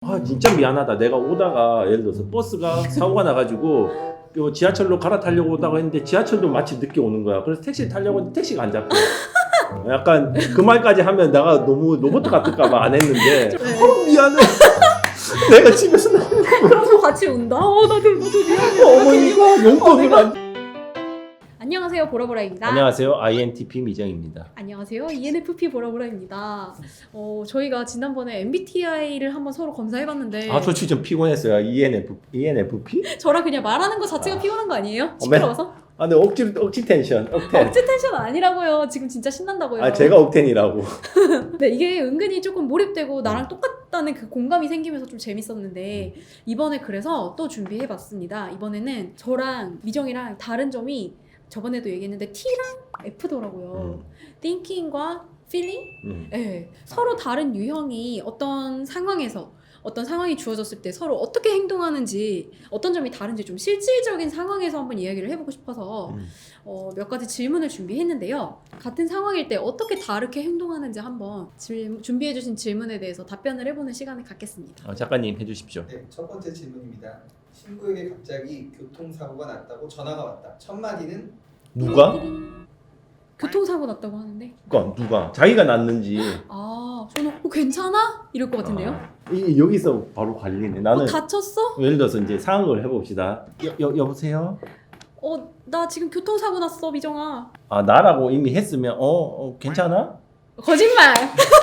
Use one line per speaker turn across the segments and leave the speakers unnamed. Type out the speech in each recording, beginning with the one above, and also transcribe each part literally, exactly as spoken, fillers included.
아 진짜 미안하다. 내가 오다가 예를 들어서 버스가 사고가 나가지고 요 지하철로 갈아타려고 오다가 했는데 지하철도 마치 늦게 오는 거야. 그래서 택시를 타려고 했는데 택시가 안 잡혀. 약간 그 말까지 하면 내가 너무 로봇 같을까봐 안 했는데 어, 미안해. 내가 집에서 나
그러고 같이 운다. 어, 나도 나도 미안해.
어머니가 용돈을 안.
안녕하세요, 보라보라입니다.
안녕하세요, 아이엔티피 미정입니다.
안녕하세요, 이엔에프피 보라보라입니다. 어, 저희가 지난번에 엠비티아이를 한번 서로 검사해봤는데
아 솔직히 좀 피곤했어요. 이엔에프 이엔에프피?
저랑 그냥 말하는 거 자체가
아.
피곤한 거 아니에요?
어,
시끄러워서?
아, 근데 억지 억지 텐션, 억텐.
억지 텐션 아니라고요. 지금 진짜 신난다고요.
아 제가 억텐이라고.
네, 이게 은근히 조금 몰입되고 나랑 똑같다는 그 공감이 생기면서 좀 재밌었는데 이번에 그래서 또 준비해봤습니다. 이번에는 저랑 미정이랑 다른 점이 저번에도 얘기했는데 T랑 F더라고요.
음.
thinking과 feeling?
음.
네, 서로 다른 유형이 어떤 상황에서 어떤 상황이 주어졌을 때 서로 어떻게 행동하는지 어떤 점이 다른지 좀 실질적인 상황에서 한번 이야기를 해보고 싶어서
음.
어, 몇 가지 질문을 준비했는데요. 같은 상황일 때 어떻게 다르게 행동하는지 한번 질, 준비해주신 질문에 대해서 답변을 해보는 시간을 갖겠습니다.
어, 작가님 해주십시오.
네, 첫 번째 질문입니다. 친구에게 갑자기 교통사고가 났다고 전화가 왔다. 첫 마디는
누가?
교통사고 났다고 하는데
누가? 누가? 자기가 났는지.
아 저는 어, 괜찮아? 이럴 것 같은데요?
아, 이 여기서 바로 갈리네. 나는
어, 다쳤어?
예를 들어서 이제 상황을 해봅시다. 여, 여 여보세요?
어 나 지금 교통사고 났어 미정아.
아 나라고 이미 했으면 어, 어 괜찮아?
거짓말.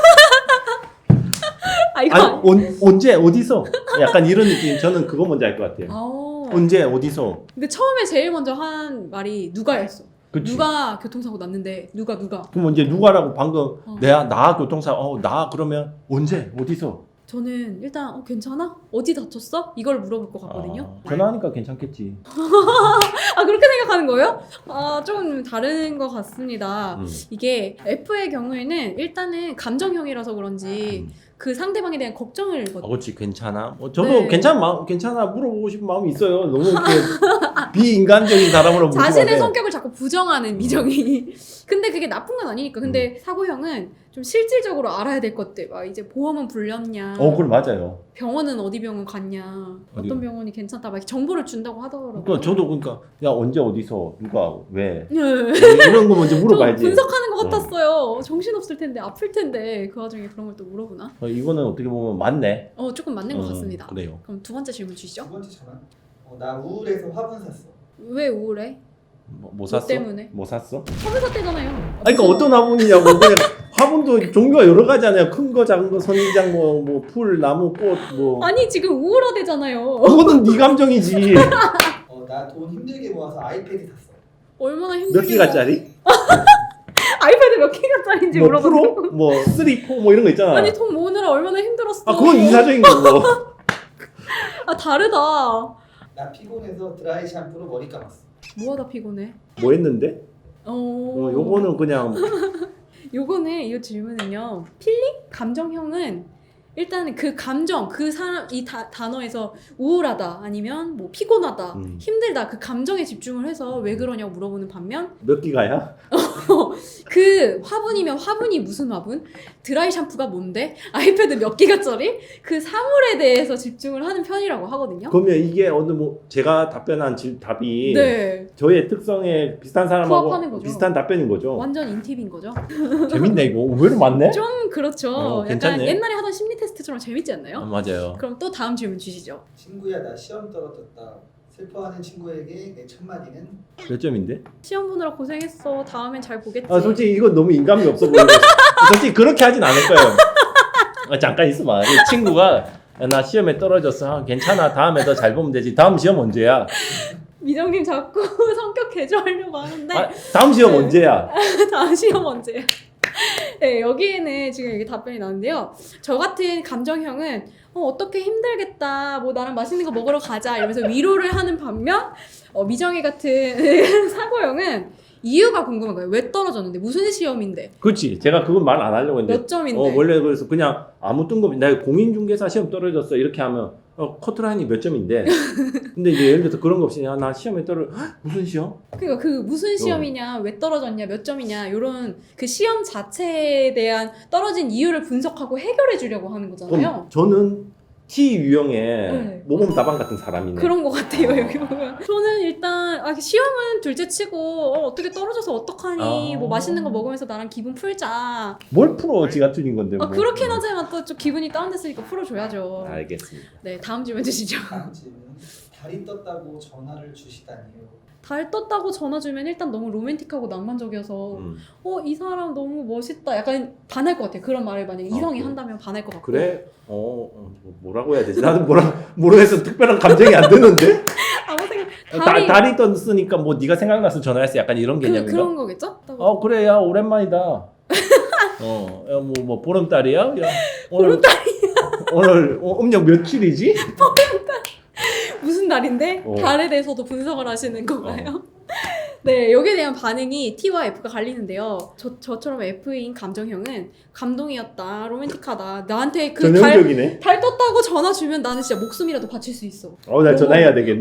아 이거
아니
아니-
온, 언제 어디서? 약간 이런 느낌. 저는 그거 먼저 알 것 같아요.
아,
언제 어디서?
근데 처음에 제일 먼저 한 말이 누가였어.
그치?
누가 교통사고 났는데 누가 누가.
그럼 이제 누가라고 방금
어.
내가 나 교통사 어나 그러면 언제 어디서?
저는 일단 어, 괜찮아? 어디 다쳤어? 이걸 물어볼 것 같거든요.
아, 전화하니까 괜찮겠지.
아 그렇게 생각하는 거예요? 아 조금 다른 것 같습니다.
음.
이게 F의 경우에는 일단은 감정형이라서 그런지
음.
그 상대방에 대한 걱정을
어,
거-
그렇지 괜찮아. 뭐 저도
네.
괜찮 마음 괜찮아 물어보고 싶은 마음이 있어요. 너무 이렇게 비인간적인 사람으로
자신의
묻지만
성격을 자꾸 부정하는 미정이. 근데 그게 나쁜 건 아니니까. 근데
음.
사고형은 좀 실질적으로 알아야 될 것들. 막 이제 보험은 불렸냐.
어, 그걸 맞아요.
병원은 어디 병원 갔냐.
어디-
어떤 병원이 괜찮다. 막 정보를 준다고 하더라고요.
그러니까 저도 그러니까 야 언제 어디서 누가 왜
네.
이런 거 먼저
좀
물어봐야지.
분석하는 것
어.
같았어요. 정신 없을 텐데 아플 텐데 그 와중에 그런 걸 또 물어보나?
어, 이거는 어떻게 보면 맞네.
어 조금 맞는 것
음,
같습니다.
그래요.
그럼 두 번째 질문
두
주시죠.
번째 전화. 어, 나 우울해서 화분 샀어.
왜 우울해?
뭐, 뭐 샀어?
때문에?
뭐 샀어?
화분 샀대잖아요.
아니 그러니까 어떤 화분이냐고. 그냥 화분도 종류가 여러 가지잖아요. 큰 거, 작은 거, 선인장, 뭐, 뭐 풀, 나무, 꽃, 뭐.
아니 지금 우울하대잖아요.
그거는 네 감정이지.
어, 나 돈 힘들게 모아서 아이패드 샀어.
얼마나
몇
힘들게.
기가짜리?
아이패드 몇 기가짜리인지
뭐
물어봐.
프로? 뭐 쓰리, 포 뭐 이런 거 있잖아.
아니 돈 모으느라 얼마나 힘들었어.
아 그건 이사적인 거고.
아 다르다.
나 피곤해서 드라이 샴푸로 머리 감았어.
뭐하다 피곤해?
뭐 했는데?
어.
어, 요거는 그냥
요거는 이 질문은요. 필링? 감정형은 일단은 그 감정, 그 사람 이 다, 단어에서 우울하다 아니면 뭐 피곤하다,
음.
힘들다 그 감정에 집중을 해서 왜 그러냐고 물어보는 반면
몇 기가야?
그 화분이면 화분이 무슨 화분? 드라이 샴푸가 뭔데? 아이패드 몇 기가짜리? 그 사물에 대해서 집중을 하는 편이라고 하거든요.
그러면 이게 어느 뭐 제가 답변한 질, 답이
네.
저의 특성에 비슷한 사람하고
부합하는 거죠.
비슷한 답변인 거죠.
완전 인팁인 거죠.
재밌네 이거. 의외로 맞네.
좀 그렇죠.
어,
약간
괜찮네.
옛날에 하던 심리 테스트처럼 재밌지 않나요?
아, 맞아요.
그럼 또 다음 질문 주시죠.
친구야 나 시험 떨어졌다. 슬퍼하는 친구에게 내 첫 마디는
몇 점인데?
시험 보느라 고생했어. 다음엔 잘 보겠지.
아 솔직히 이건 너무 인감이 없어 보이고 솔직히 그렇게 하진 않을 거예요. 아, 잠깐 있어봐. 이 친구가 야, 나 시험에 떨어졌어. 아, 괜찮아. 다음에 더 잘 보면 되지. 다음 시험 언제야?
미정님 자꾸 성격 개조하려고 하는데
아, 다음 시험
네.
언제야?
다음 시험 언제야? 네, 여기에는 지금 이게 답변이 나는데요. 저 같은 감정형은 어, 어떻게 힘들겠다. 뭐 나랑 맛있는 거 먹으러 가자. 이러면서 위로를 하는 반면 어, 미정이 같은 사고형은 이유가 궁금한 거예요. 왜 떨어졌는데? 무슨 시험인데?
그렇지. 제가 그건 말 안 하려고 했는데.
몇 점인데?
어, 원래 그래서 그냥 아무 뜬금없이 내가 공인중개사 시험 떨어졌어 이렇게 하면 어, 커트라인이 몇 점인데. 근데 이제 예를 들어서 그런 거 없이 야, 나 시험에 떨어 헉, 무슨 시험?
그러니까 그 무슨 시험이냐, 왜 떨어졌냐, 몇 점이냐 이런 그 시험 자체에 대한 떨어진 이유를 분석하고 해결해 주려고 하는 거잖아요.
그럼 저는 T 유형의
네.
모범 답안 같은 사람이네.
그런 것 같아요 여기 보면. 저는 일단 아, 시험은 둘째치고 어, 어떻게 떨어져서 어떡하니
아.
뭐 맛있는 거 먹으면서 나랑 기분 풀자.
뭘 풀어 지가 틀린 건데.
아,
뭐.
그렇긴 하지만 또 좀 기분이 다운됐으니까 풀어줘야죠.
알겠습니다.
네 다음 질문 주시죠.
다음 질문. 달이 떴다고 전화를 주시다니요.
달 떴다고 전화 주면 일단 너무 로맨틱하고 낭만적이어서
음.
어 이 사람 너무 멋있다 약간 반할 것 같아요. 그런 말을 만약에 이성이
그래?
한다면 반할 것 같고.
그래? 어, 어 뭐- 뭐라고 해야 되지? 나도 뭐라 모르겠어. 특별한 감정이 안 드는데.
아무 생각
다,
달이
달이 떴으니까 뭐 네가 생각나서 전화했어. 약간 이런
그,
개념인가?
그런 거겠죠?
어 그래 야 오랜만이다. 어, 야, 뭐, 뭐 보름달이야? 야, 오늘,
보름달이야.
오늘 어, 음력 며칠이지?
무슨 달인데
어.
달에 대해서도 분석을 하시는 건가요? 네, 여기에 대한 반응이 T와 F가 갈리는데요. 저, 저처럼 F인 감정형은 감동이었다, 로맨틱하다. 나한테 그 달,
전형적이네.
달 떴다고 전화 주면 나는 진짜 목숨이라도 바칠 수 있어.
어, 나 전화해야 되겠네.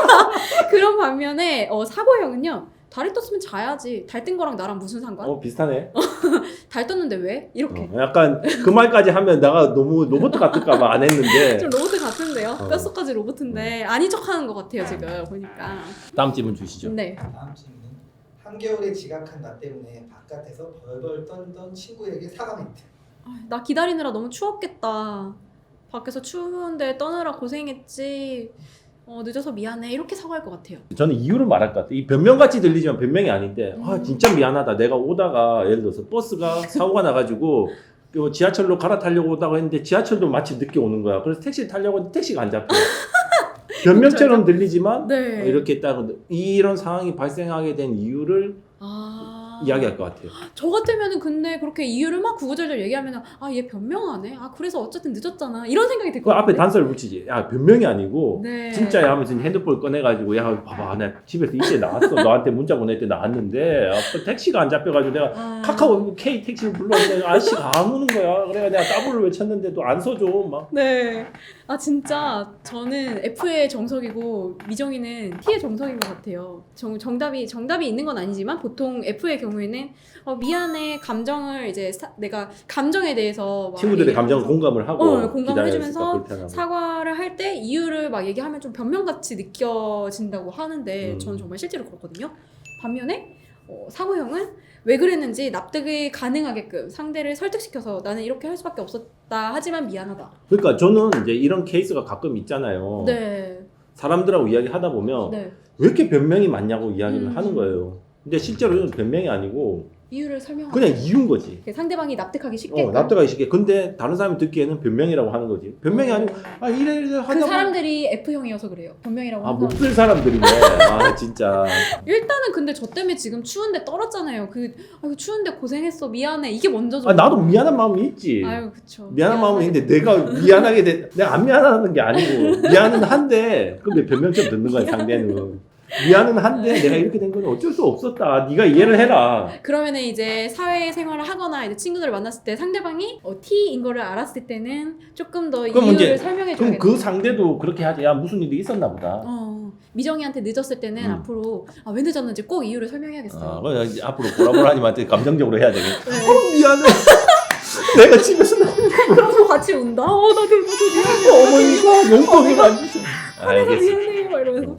그런 반면에 어, 사고형은요. 달이 떴으면 자야지. 달 뜬 거랑 나랑 무슨 상관?
어, 비슷하네.
달 떴는데 왜? 이렇게.
어, 약간 그 말까지 하면 내가 너무 로봇 같을까봐 안 했는데.
좀 로봇 같은데요?
어.
뼛속까지 로봇인데 아닌 척하는 것 같아요 지금 보니까.
다음 질문 주시죠.
네.
다음 질문. 한겨울에 지각한 나 때문에 바깥에서 벌벌 떨던 친구에게 사과 멘트.
아, 나 기다리느라 너무 추웠겠다. 밖에서 추운데 떠느라 고생했지. 어, 늦어서 미안해. 이렇게 사과할 것 같아요.
저는 이유를 말할 것 같아요. 이 변명같이 들리지만 변명이 아닌데, 아, 진짜 미안하다. 내가 오다가, 예를 들어서 버스가 사고가 나가지고, 요 지하철로 갈아타려고 오다가 했는데, 지하철도 마치 늦게 오는 거야. 그래서 택시를 타려고 했는데, 택시가 안 잡혀. 변명처럼 들리지만,
네.
어, 이렇게 딱, 이런 상황이 발생하게 된 이유를
아.
이야기할 것 같아요.
저 같으면은 근데 그렇게 이유를 막 구구절절 얘기하면 아, 얘 변명하네. 아, 그래서 어쨌든 늦었잖아. 이런 생각이 들
그
것
앞에
같아요.
단서를 붙이지. 야, 변명이 아니고,
네.
진짜야 하면서 핸드폰 꺼내가지고, 야, 봐봐. 나 집에서 이때 나왔어. 너한테 문자 보낼 때 나왔는데, 아, 또 택시가 안 잡혀가지고 내가
아.
카카오 K 택시를 불렀는데 아저씨가 안 오는 거야. 그래가 내가 따블을 외쳤는데도 안 서줘. 막.
네. 아 진짜 저는 F의 정석이고 미정이는 T의 정석인 것 같아요. 정, 정답이 정답이 있는 건 아니지만 보통 F의 경우에는 어, 미안해 감정을 이제 사, 내가 감정에 대해서 막
친구들의
얘기를
감정을
하면서
공감을 하고
어, 공감을
기다렸으니까
해주면서
불편하고.
사과를 할 때 이유를 막 얘기하면 좀 변명같이 느껴진다고 하는데
음.
저는 정말 실제로 그렇거든요. 반면에 어, 사고형은 왜 그랬는지 납득이 가능하게끔 상대를 설득시켜서 나는 이렇게 할 수밖에 없었다 하지만 미안하다.
그러니까 저는 이제 이런 케이스가 가끔 있잖아요.
네.
사람들하고 이야기하다 보면
네.
왜 이렇게 변명이 많냐고 이야기를
음.
하는 거예요. 근데 실제로는 변명이 아니고
이유를 설명하고
그냥 이유인 거지.
상대방이 납득하기 쉽게
어, 납득하기 쉽게. 근데 다른 사람이 듣기에는 변명이라고 하는 거지. 변명이 아니고 아 이래 이래 하다
그
보면
사람들이 F형이어서 그래요. 변명이라고
아
하는
못
사람.
쓸 사람들이네. 아 진짜.
일단은 근데 저 때문에 지금 추운데 떨었잖아요. 그 아유 추운데 고생했어 미안해 이게 먼저죠.
아 나도 미안한 마음이 있지.
아유 그쵸.
미안한 마음은
미안해.
있는데 내가 미안하게 돼 내가 안 미안하는 게 아니고 미안은 한데 근데 변명점 듣는 거야 상대는. 미안은 한데 내가 이렇게 된 건 어쩔 수 없었다. 네가 이해를 해라.
그러면은 이제 사회생활을 하거나 이제 친구들을 만났을 때 상대방이 어, T인 거를 알았을 때는 조금 더
그럼
이유를
이제-
설명해
그럼
줘야겠다.
그 상대도 그렇게 하지. 야 무슨 일이 있었나 보다.
어, 미정이한테 늦었을 때는
음.
앞으로 아, 왜 늦었는지 꼭 이유를 설명해야겠어요.
아, 그럼 이제 앞으로 보라보라님한테 감정적으로 해야 되겠네.
네.
어, 미안해. 내가 집에서 나
그러면서 같이 운다. 어 나도 나도 미안해.
어머니가 용돈을 안 주셔.
내가
알겠습니다.
미안해. 막 이러면서.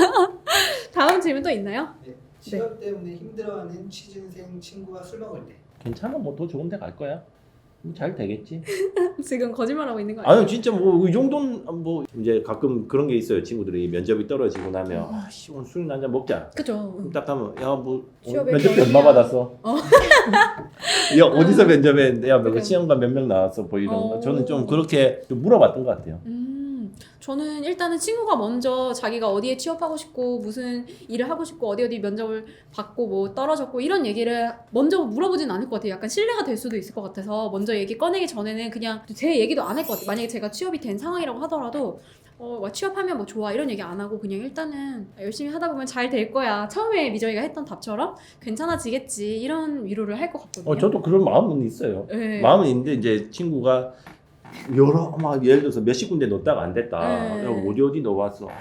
다음 질문 또 있나요?
네. 취업 때문에 힘들어하는 취준생 친구와 술 먹을 때.
괜찮아, 뭐 더 좋은 데 갈 거야. 뭐잘 되겠지.
지금 거짓말하고 있는 거 아니에요?
아니 진짜 뭐 이 정도는 뭐 이제 가끔 그런 게 있어요. 친구들이 면접이 떨어지고 나면 아씨 오늘 술 한잔 먹자.
그죠.
그럼 딱 하면 야뭐
취업에
면접비
결이야.
얼마 받았어?
어.
야 어디서 면접했는데 야몇
그래.
시험관 몇 명 나왔어? 뭐 이런 거.
어.
저는 좀 그렇게 좀 물어봤던 것 같아요.
음, 저는 일단은 친구가 먼저 자기가 어디에 취업하고 싶고 무슨 일을 하고 싶고 어디 어디 면접을 받고 뭐 떨어졌고 이런 얘기를 먼저 물어보진 않을 것 같아요. 약간 신뢰가 될 수도 있을 것 같아서 먼저 얘기 꺼내기 전에는 그냥 제 얘기도 안 할 것 같아요. 만약에 제가 취업이 된 상황이라고 하더라도 어, 뭐 취업하면 뭐 좋아 이런 얘기 안 하고 그냥 일단은 열심히 하다 보면 잘 될 거야. 처음에 미정이가 했던 답처럼 괜찮아지겠지 이런 위로를 할 것 같거든요.
어 저도 그런 마음은 있어요.
네.
마음은 있는데 이제 친구가 여러 막 예를 들어서 몇십 군데 넣었다가 안 됐다.
네.
그럼 어디 어디 넣어봤어. 아,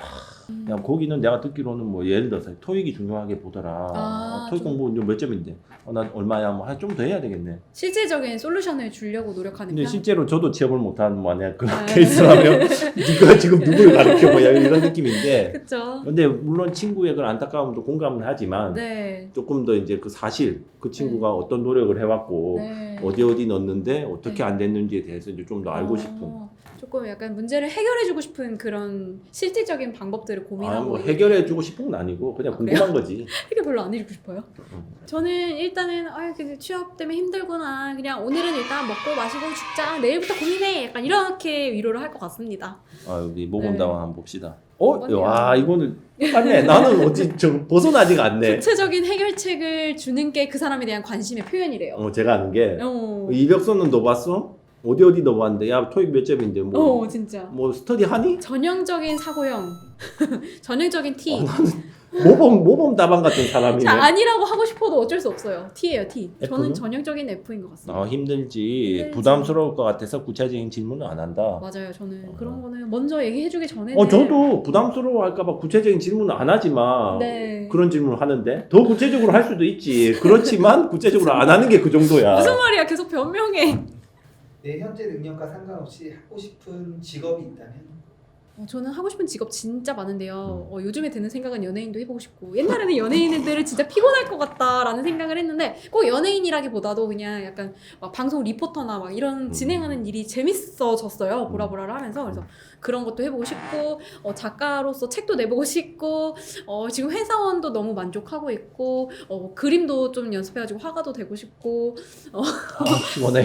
음.
야, 거기는 내가 듣기로는 뭐 예를 들어서 토익이 중요하게 보더라.
아,
어, 토익
좀-
공부 몇 점인데? 어, 난 얼마야? 뭐 좀 더 해야 되겠네.
실질적인 솔루션을 주려고 노력하는
근데
편?
실제로 저도 취업을 못한 만약 그런
아.
케이스라면 네가 지금 누구를 가르쳐 뭐야 이런 느낌인데.
그쵸.
근데 물론 친구의 그런 안타까움도 공감은 하지만
네.
조금 더 이제 그 사실 그 친구가 어떤 노력을 해왔고
네.
어디 어디 넣었는데 어떻게
네.
안 됐는지에 대해서 이제 좀 더 알고
어,
싶은.
조금 약간 문제를 해결해주고 싶은 그런 실질적인 방법들을
아,
고민하고
뭐 해결해주고 싶은 건 아니고 그냥
아,
궁금한 거지.
해결 별로 안 해주고 싶어요.
음.
저는 일단은 아 근데 취업 때문에 힘들구나. 그냥 오늘은 일단 먹고 마시고 죽자. 내일부터 고민해. 약간 이렇게 위로를 할 것 같습니다.
아 여기 모범
네.
다원 한번 봅시다. 어,
모범이요.
와 이거는 맞네. 나는 어찌 좀 벗어나지가 않네.
구체적인 해결책을 주는 게 그 사람에 대한 관심의 표현이래요.
어, 제가 아는 게
어,
이력서는 넣어봤어? 어디 어디 넣어봤는데 야 토익 몇 점인데 뭐,
어 진짜.
뭐 스터디 하니?
전형적인 사고형. 전형적인 T.
어, 모범 모범 다방 같은 사람이네.
자, 아니라고 하고 싶어도 어쩔 수 없어요. T예요, T. 저는
F는?
전형적인 F인 것 같습니다.
아 힘들지.
힘들지.
부담스러울 것 같아서 구체적인 질문은 안 한다.
맞아요. 저는
어.
그런 거는 먼저 얘기해주기 전에는
어 저도 부담스러워할까봐 구체적인 질문은 안 하지만
네.
그런 질문을 하는데 더 구체적으로 할 수도 있지. 그렇지만 구체적으로 안 하는 게 그 정도야.
무슨 말이야? 계속 변명해.
내 현재 능력과 상관없이 하고 싶은 직업이 있다면
어, 저는 하고 싶은 직업 진짜 많은데요.
음.
어, 요즘에 드는 생각은 연예인도 해보고 싶고 옛날에는 연예인들은 진짜 피곤할 것 같다라는 생각을 했는데 꼭 연예인이라기보다도 그냥 약간 막 방송 리포터나 막 이런
음.
진행하는 일이 재밌어졌어요. 보라보라를 하면서 그래서 그런 것도 해보고 싶고 어, 작가로서 책도 내보고 싶고 어, 지금 회사원도 너무 만족하고 있고 어, 그림도 좀 연습해가지고 화가도 되고 싶고
아, 피곤해.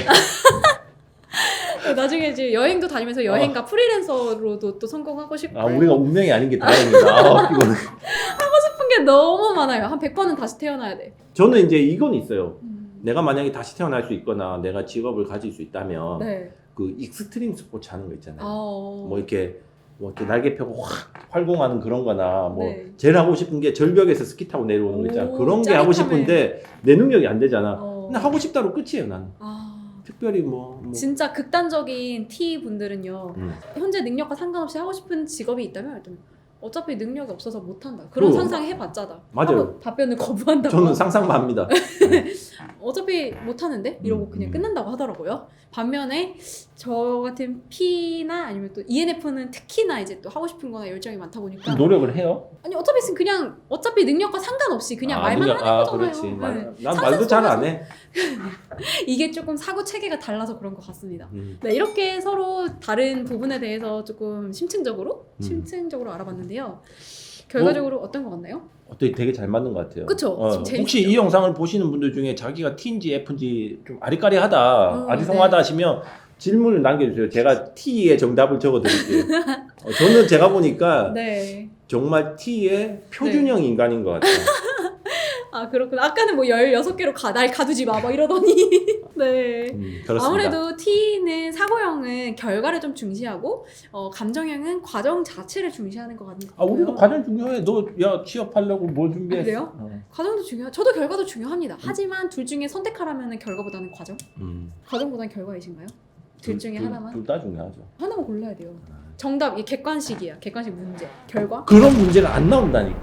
나중에 이제 여행도 다니면서 여행가 프리랜서로도 또 성공하고 싶고
아 우리가 운명이 아닌 게 다행이다. 아, 피곤해.
싶은 게 너무 많아요. 한 백 번은 다시 태어나야 돼.
저는 이제 이건 있어요.
음.
내가 만약에 다시 태어날 수 있거나 내가 직업을 가질 수 있다면
네.
그 익스트림 스포츠 하는 거 있잖아요.
어.
뭐 이렇게 뭐 이렇게 날개 펴고 확 활공하는 그런 거나 뭐
네.
제일 하고 싶은 게 절벽에서 스키 타고 내려오는 거 있잖아.
오,
그런 게 하고
짜릿함을.
싶은데 내 능력이 안 되잖아.
어.
근데 하고 싶다로 끝이에요, 나는.
아.
특별히 뭐, 뭐.
진짜 극단적인 T 분들은요.
음.
현재 능력과 상관없이 하고 싶은 직업이 있다면 일단 어차피 능력이 없어서 못 한다. 그런
그럼.
상상 해봤자다.
맞아요.
하고 답변을 거부한다고.
저는 상상만 합니다.
어차피 못 하는데 이러고
음,
그냥
음.
끝난다고 하더라고요. 반면에 저 같은 P나 아니면 또 이엔에프는 특히나 이제 또 하고 싶은 거나 열정이 많다 보니까
노력을 해요?
아니 어차피 그냥 어차피 능력과 상관없이 그냥
아,
말만
능력-
하는
아,
거잖아요.
그렇지.
네.
말, 난
상상
말도 잘 안
속에서
해.
이게 조금 사고 체계가 달라서 그런 것 같습니다.
음.
네, 이렇게 서로 다른 부분에 대해서 조금 심층적으로
음.
심층적으로 알아봤는데요. 결과적으로 어? 떤것 같나요?
어떻게 되게 잘 맞는 것 같아요.
그쵸?
어,
좀 재밌죠?
혹시 이 영상을 보시는 분들 중에 자기가 T인지 F인지 좀 아리까리하다,
어,
아리송하다
네.
하시면 질문을 남겨주세요. 제가 T의 정답을 적어드릴게요. 어, 저는 제가 보니까
네.
정말 T의 표준형 인간인 것 같아요.
아 그렇구나. 아까는 뭐 열여섯 개로 가, 날 가두지 마, 막 이러더니. 네.
음, 그렇습니다.
아무래도 T는 사고형은 결과를 좀 중시하고 어, 감정형은 과정 자체를 중시하는 것 같은
아,
거예요.
우리도 과정 중요해. 너 야 취업하려고 뭘 준비했어?
아, 그래요?
어.
과정도 중요. 저도 결과도 중요합니다. 하지만 둘 중에 선택하라면 결과보다는 과정.
음.
과정보다는 결과이신가요? 둘 중에 하나만?
둘 다 중요하죠.
하나만 골라야 돼요. 정답 이 객관식이야. 객관식 문제. 결과?
그런 문제가 안 나온다니까.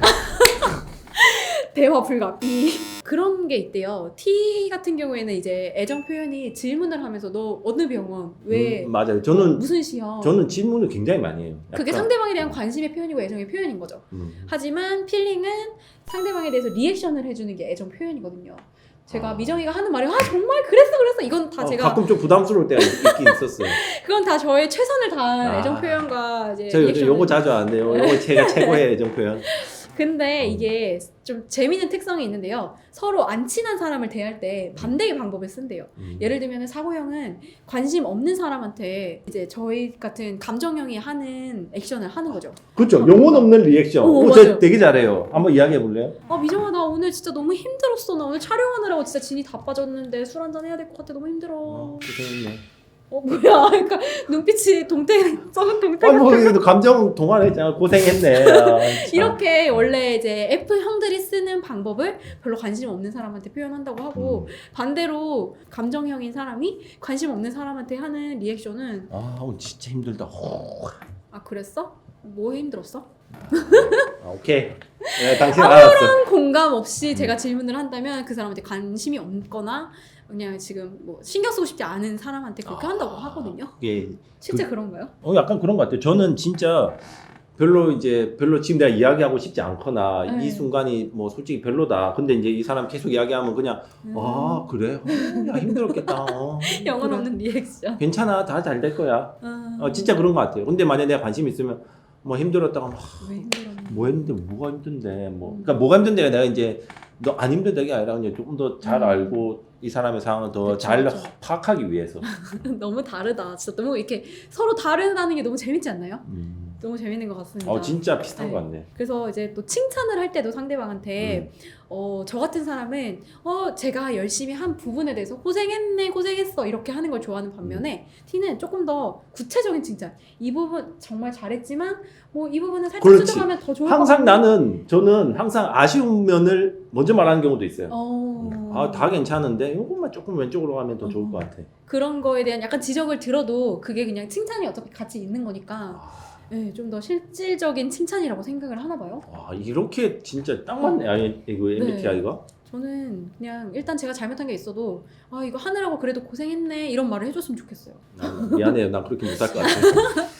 대화 불가. B. 그런 게 있대요. T 같은 경우에는 이제 애정 표현이 질문을 하면서 너 어느 병원 왜
음, 맞아요. 저는
무슨 시험
저는 질문을 굉장히 많이 해요.
그게
약간,
상대방에 대한 관심의 표현이고 애정의 표현인 거죠.
음.
하지만 필링은 상대방에 대해서 리액션을 해주는 게 애정 표현이거든요. 제가
아.
미정이가 하는 말이 아 정말 그랬어 그랬어 이건 다
어,
제가
가끔 좀 부담스러울 때가 있긴 있었어요.
그건 다 저의 최선을 다한
아.
애정 표현과 이제
저 요즘
리액션을
요거 자주 안 해요. 요거 제가 최고의 애정 표현.
근데
음.
이게 좀 재미있는 특성이 있는데요. 서로 안 친한 사람을 대할 때 반대의 방법을 쓴대요.
음.
예를 들면 사고형은 관심 없는 사람한테 이제 저희 같은 감정형이 하는 액션을 하는 거죠.
그렇죠. 영혼 없는 리액션.
어,
오, 저
맞아요.
되게 잘해요. 한번 이야기해 볼래요?
아 미정아 나 오늘 진짜 너무 힘들었어. 나 오늘 촬영하느라고 진짜 진이 다 빠졌는데 술 한잔 해야 될 것 같아. 너무 힘들어.
어,
어,
고생했네.
뭐야. 그러니까 눈빛이 동태 썩은 동태
아, 뭐 이거 감정 동화했잖아. 고생했네. 아, 참.
이렇게 원래 이제 F 형들이 쓰는 방법을 별로 관심 없는 사람한테 표현한다고 하고
음.
반대로 감정형인 사람이 관심 없는 사람한테 하는 리액션은
아, 오늘 진짜 힘들다. 호.
아 그랬어? 뭐 힘들었어?
아, 아, 오케이. 네, 당신 알았어.
공감 없이 제가 질문을 한다면 그 사람한테 관심이 없거나 그냥 지금 뭐 신경 쓰고 싶지 않은 사람한테 그렇게 한다고 하거든요.
예.
실제
그-
그런가요?
어 약간 그런 것 같아요. 저는 진짜 별로 이제 별로 지금 내가 이야기하고 싶지 않거나
네.
이 순간이 뭐 솔직히 별로다. 근데 이제 이 사람 계속 이야기하면 그냥
음.
아 그래? 어, 야 힘들었겠다. 어,
영혼
그래.
없는 리액션.
괜찮아 다 잘 될 거야.
아,
어, 진짜 그런 것 같아요. 근데 만약에 내가 관심 있으면 뭐 힘들었다가 막
왜 힘들었나?
뭐 했는데 뭐가 힘든데 뭐 그러니까 뭐가 힘든데가 내가 이제 너 안 힘든다가 아니라 그냥 조금 더 잘
음.
알고 이 사람의 상황을 더
그쵸,
잘
그쵸.
파악하기 위해서.
너무 다르다. 진짜 너무 이렇게 서로 다르다는 게 너무 재밌지 않나요?
음.
너무 재밌는 것 같습니다.
어 진짜 비슷한
네.
것 같네.
그래서 이제 또 칭찬을 할 때도 상대방한테
음.
어, 저 같은 사람은 어, 제가 열심히 한 부분에 대해서 고생했네, 고생했어 이렇게 하는 걸 좋아하는 반면에 T는 조금 더 구체적인 칭찬. 이 부분 정말 잘했지만 뭐 이 부분은 살짝
그렇지.
수정하면 더 좋을
항상
것 같아.
나는 저는 항상 아쉬운 면을 먼저 말하는 경우도 있어요.
어...
아 다 괜찮은데 이것만 조금 왼쪽으로 가면 더 좋을
어.
것 같아.
그런 거에 대한 약간 지적을 들어도 그게 그냥 칭찬이 어차피 같이 있는 거니까
아,
네, 좀 더 실질적인 칭찬이라고 생각을 하나 봐요.
와 이렇게 진짜 딱 맞네. 아니 이거 엠비티아이가.
저는 그냥 일단 제가 잘못한 게 있어도 아 이거 하느라고 그래도 고생했네 이런 말을 해줬으면 좋겠어요.
미안해요. 난 그렇게 못할 것 같아.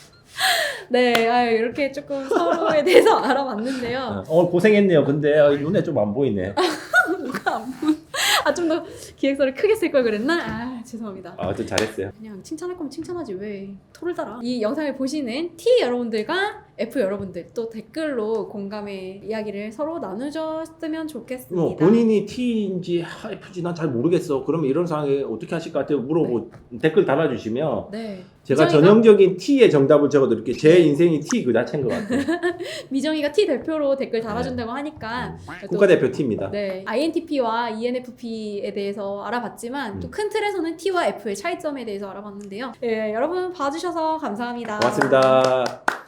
네, 아, 이렇게 조금 서로에 대해서 알아봤는데요.
어 고생했네요. 근데 어, 눈에 좀 안 보이네.
뭐가 안 보여? 아, 좀 더 기획서를 크게 쓸 걸 그랬나? 아, 죄송합니다.
아, 좀 잘했어요.
그냥 칭찬할 거면 칭찬하지 왜 토를 달아? 이 영상을 보시는 T 여러분들과 F 여러분들 또 댓글로 공감의 이야기를 서로 나누셨으면 좋겠습니다.
뭐 본인이 T인지 F인지 난 잘 모르겠어. 그러면 이런 상황에 어떻게 하실 것 같아요? 물어보 댓글 달아주시면
네.
제가
미정이가-
전형적인 T의 정답을 적어드릴게요. 제 인생이 T 그 자체인 것 같아요.
미정이가 T 대표로 댓글 달아준다고 하니까 또-
국가대표 T입니다.
네, 아이엔티피와 이엔에프피에 대해서 알아봤지만
음.
또 큰 틀에서는 T와 F의 차이점에 대해서 알아봤는데요. 예, 여러분 봐주셔서 감사합니다.
고맙습니다.